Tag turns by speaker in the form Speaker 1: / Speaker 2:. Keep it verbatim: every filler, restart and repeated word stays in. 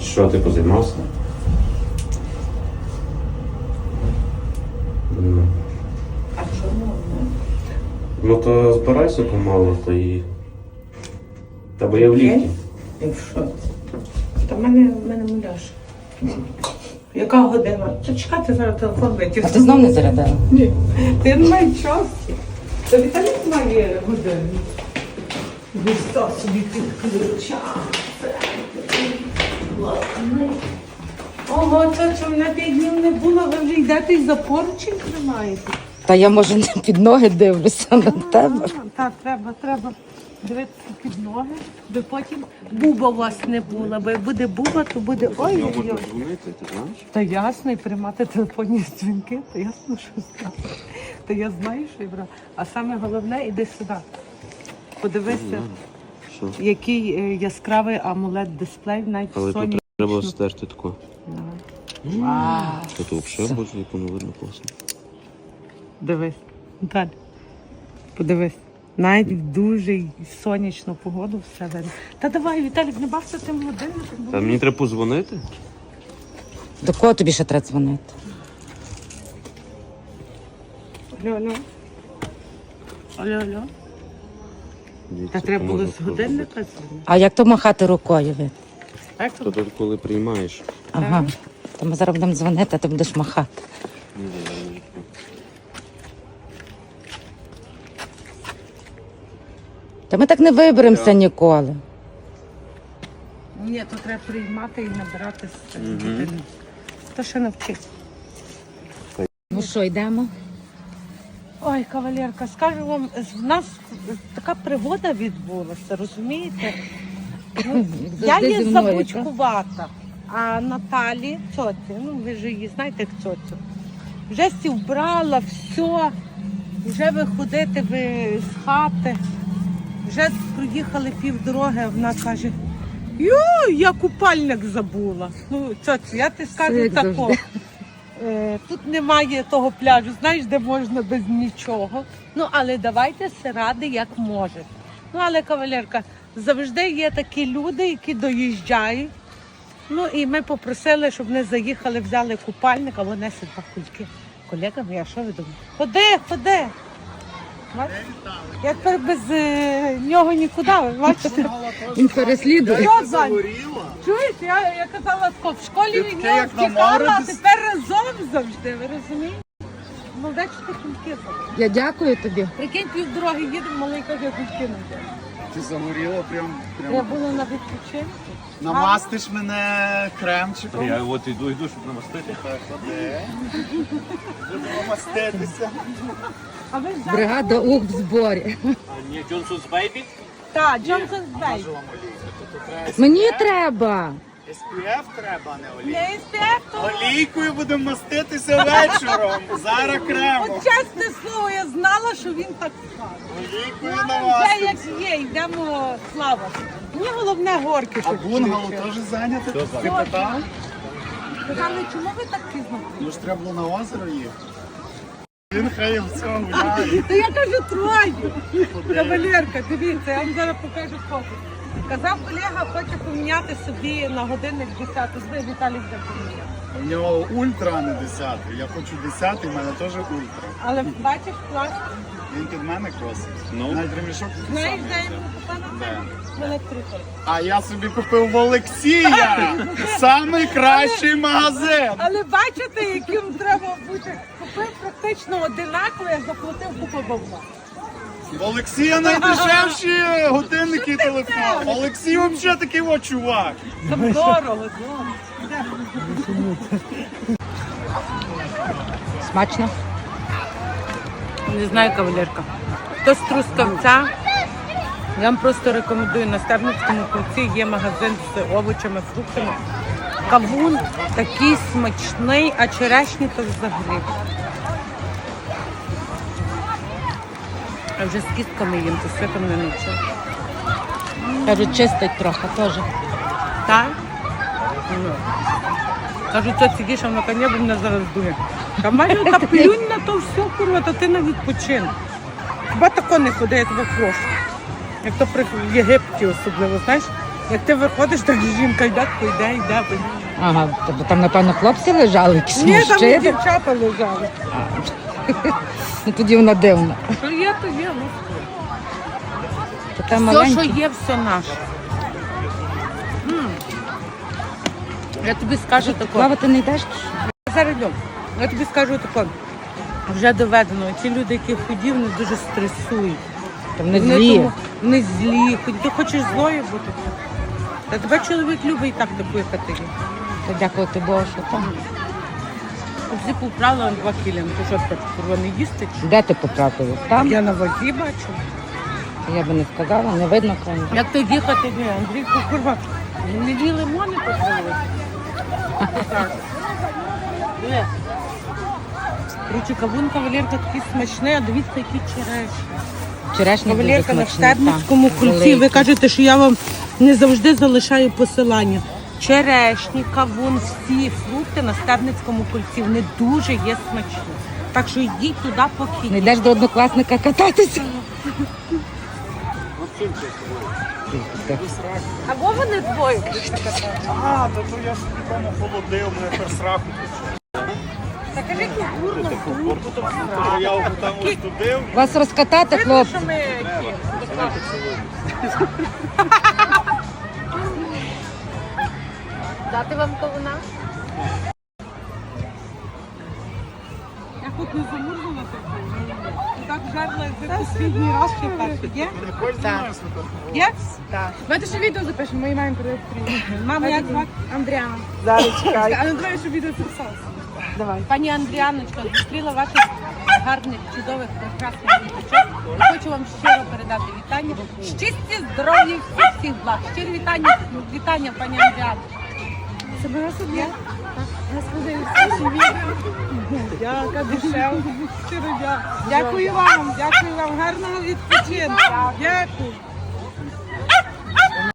Speaker 1: Що, ти позаймався? Ну.
Speaker 2: А чому?
Speaker 1: Ну то збирайся помалу, то і... Та бо я в ліфті.
Speaker 2: І в що? Та в мене, в мене муляж. Яка година? Та чекати, зараз телефон витягну.
Speaker 3: А ти знов не зарядила?
Speaker 2: Ні. Ти не має часу. Та Віталік має годину. Віста собі підключав. Ого, це що мене п'ять днів не було, ви вже йдете і за поручень тримаєте.
Speaker 3: Та я, може, не під ноги дивлюся на тебе.
Speaker 2: Так, треба, треба дивитися під ноги, бо потім буба у вас не була, бо як буде буба, то буде ой-ой-ой.
Speaker 1: дзвонити, ти знаєш?
Speaker 2: Та ясно, і приймати телефонні дзвінки, то ясно, що знаю. Та я знаю, що я брала. А саме головне, іди сюди. Подивися,
Speaker 1: Що?
Speaker 2: який е, яскравий амулет-дисплей, навіть
Speaker 1: Але
Speaker 2: в
Speaker 1: тут
Speaker 2: Sony.
Speaker 1: треба стерти тако.
Speaker 2: Вау.
Speaker 1: Та то взагалі, боже, яку не видно класно.
Speaker 2: Дивись, Наталя, подивись. Навіть в дуже сонячну погоду все видно. Та давай, Віталік, не бався тим годинником.
Speaker 1: Та мені треба позвонити?
Speaker 3: До кого тобі ще треба дзвонити?
Speaker 2: Алло, алло. Алло, алло.
Speaker 1: Дивіться,
Speaker 2: Та треба
Speaker 1: кому
Speaker 2: було
Speaker 1: можна
Speaker 2: з годинника дзвонити.
Speaker 3: А як то махати рукою? Від?
Speaker 2: Так,
Speaker 1: То тут коли приймаєш.
Speaker 3: Ага. То ми зараз будемо дзвонити, а ти будеш махати.
Speaker 1: Ні, ні, ні.
Speaker 3: Та ми так не виберемося ніколи.
Speaker 2: Ні, то треба приймати і набирати з годинника. То ще навчить.
Speaker 3: Ну що, йдемо?
Speaker 2: Ой, кавалерка, скажу вам, в нас така пригода відбулася, розумієте? Ну, я
Speaker 3: завжди
Speaker 2: є
Speaker 3: зі мною,
Speaker 2: забучкувата, а Наталі, тьоті, ну ви ж її знаєте, як тьотю, вже всі вбрала, все, вже виходити ви з хати, вже проїхали півдороги, а вона каже, йой, я купальник забула. Ну, тьотю, я ти скажу
Speaker 3: як
Speaker 2: тако.
Speaker 3: завжди.
Speaker 2: Е, Тут немає того пляжу, знаєш, де можна без нічого. Ну, але давайте все ради, як можете. Ну, але, кавалерка, завжди є такі люди, які доїжджають. Ну, і ми попросили, щоб вони заїхали, взяли купальник, а вони си два кульки. Колега моя, що ви думаєте? Ходи, ходи. Бачите? Я тепер без е, нього нікуди, ви бачите?
Speaker 3: Він переслідує.
Speaker 2: Що, Зань? Чуєте, я, я казала, тако, в школі від нього втікала, а тепер разом завжди, ви розумієте? Ну, де ж ти кульки забрали?
Speaker 3: Я дякую тобі.
Speaker 2: Прикинь, півдороги їдемо, малий каже, я кульки не взяла.
Speaker 4: Ти загоріла прям,
Speaker 2: Я
Speaker 4: прям.
Speaker 2: була на відпочинку.
Speaker 4: Намастиш мене кремчиком.
Speaker 1: Я от іду, йду, щоб намастити.
Speaker 4: Ходи. Будемо маститися.
Speaker 2: А ви взяли?
Speaker 3: Бригада ух в зборі.
Speaker 1: А ні, Джонсон's Baby?
Speaker 2: Так, Джонсон Бей.
Speaker 3: Мені треба.
Speaker 4: ес пі еф треба, а не олійку.
Speaker 2: Не інспектор.
Speaker 4: Олійкою будемо маститися вечором. Зараз кремом.
Speaker 2: От чесне слово, я знала, що він так скаже.
Speaker 4: Олійкою
Speaker 2: Вже
Speaker 4: намастимося.
Speaker 2: як є, йдемо, слава. Мені головне горки,
Speaker 4: А
Speaker 2: щоб
Speaker 4: бунгало
Speaker 2: включили.
Speaker 4: теж зайняте? Ти питав?
Speaker 2: Сказали, чому ви так пізно?
Speaker 4: Ну ж треба було на озеро їхати. Він хай в цьому гуляє.
Speaker 2: То я кажу троє. Кавалерка, дивіться, я вам зараз покажу фото. Казав колега, хоче поміняти собі на годинник десяту. Зви, Віталій вже поміняв.
Speaker 4: У нього ультра, а не десятий. Я хочу десятий, в мене теж ультра.
Speaker 2: Але бачиш, клас.
Speaker 4: Він під мене кросить.
Speaker 1: Ну?
Speaker 4: Навіть ремішок такий
Speaker 2: Знаєш,
Speaker 4: самий.
Speaker 2: де йому купана? В електриках.
Speaker 4: А я собі купив в Олексія! Самий кращий магазин!
Speaker 2: Але бачите, яким треба бути. Купив практично одинаково, я заплатив купу бабла.
Speaker 4: В Олексія найдешевші годинники і телефон. Олексій взагалі такий о чувак.
Speaker 2: Там дорого, дорого.
Speaker 3: Смачно?
Speaker 2: Не знаю, кавалерка. Хто з Трускавця, я вам просто рекомендую, на Стерницькому кільці є магазин з овочами, фруктами. Кавун такий смачний, а черешні то взагалі. А вже з кістками їм, то світом не навчив.
Speaker 3: Кажуть, чистить трохи теж.
Speaker 2: Так? Ну. Кажу, то сидиш, а вона коня мене зараз дує. Та майже та плюнь на то все, курва, то ти на відпочинок. Хіба тако не ходи, я тебе прошу. Як то при Єгипті особливо, знаєш, Як ти виходиш, так жінка йде, йде, йде.
Speaker 3: Ага, тобто там, напевно, хлопці лежали, якісь
Speaker 2: Ні, там і
Speaker 3: мужчини.
Speaker 2: дівчата лежали.
Speaker 3: Ну тоді вона дивна.
Speaker 2: Що є, то є. Ну.
Speaker 3: Така
Speaker 2: Все,
Speaker 3: маленька.
Speaker 2: що є, все наше. М. Я тобі скажу таке.
Speaker 3: Плавати не йдеш?
Speaker 2: Зараз йдемо. Я тобі скажу таке. Вже доведено. Ті люди, які худі, вони дуже стресують.
Speaker 3: Там не
Speaker 2: Вони
Speaker 3: злі.
Speaker 2: тому- Вони злі. Хоч ти хочеш злою бути. Та тебе чоловік любить і так таку, яка ти є.
Speaker 3: Та дякувати Богу, що там.
Speaker 2: Всі поправили на два кілі. Ну, то що так, курва, не їсти? чи?
Speaker 3: Де ти потрапила? Там?
Speaker 2: Я на вазі бачу.
Speaker 3: Я би не сказала, не видно кому.
Speaker 2: Як то їхати, ні, Андрійко, курва, не дві лимони позволили. Короче, кавун кавалерка такий смачний, а дивіться, які черешні.
Speaker 3: Вчорашній дуже
Speaker 2: Кавалерка на
Speaker 3: смачний.
Speaker 2: Штебницькому
Speaker 3: так,
Speaker 2: кульці.
Speaker 3: великий.
Speaker 2: Ви кажете, що я вам не завжди залишаю посилання. Черешні, кавун, всі фрукти на Стебницькому кульці. Вони дуже є смачні. Так що йдіть туди, поки
Speaker 3: Не
Speaker 2: є.
Speaker 3: йдеш до однокласника кататися?
Speaker 2: Або вони двоє.
Speaker 4: А, то, то я собі там охолодив, мене персраху почав.
Speaker 2: Та кажи, культурно, культурно.
Speaker 4: То я його там ось тудив.
Speaker 3: Вас розкатати, хлопці?
Speaker 2: Що ми дати вам кавуна? Я хоч не замурзала таку. Так жарла, як ви останній раз ще перший. Є?
Speaker 4: Не хочеш зі мною свято?
Speaker 2: Є? Так.
Speaker 5: Давайте ще відео запишемо, мої маємо перед
Speaker 2: Мама, як звати?
Speaker 5: Андріана.
Speaker 2: Зараз чекай.
Speaker 5: А ну давай, щоб відео записалося.
Speaker 2: Давай. Пані Андріаночка, зустріла ваших гарних, чудових, прекрасних діточок. Хочу вам щиро передати вітання. Щасті, здоров'я, всіх всіх благ. Щирі вітання, вітання, пані Андріана.
Speaker 5: Себе собі. Господи, всі відео. Дяка, дешев. Щиро дякую.
Speaker 2: Дякую вам, дякую вам, гарного відпочинку. Дякую.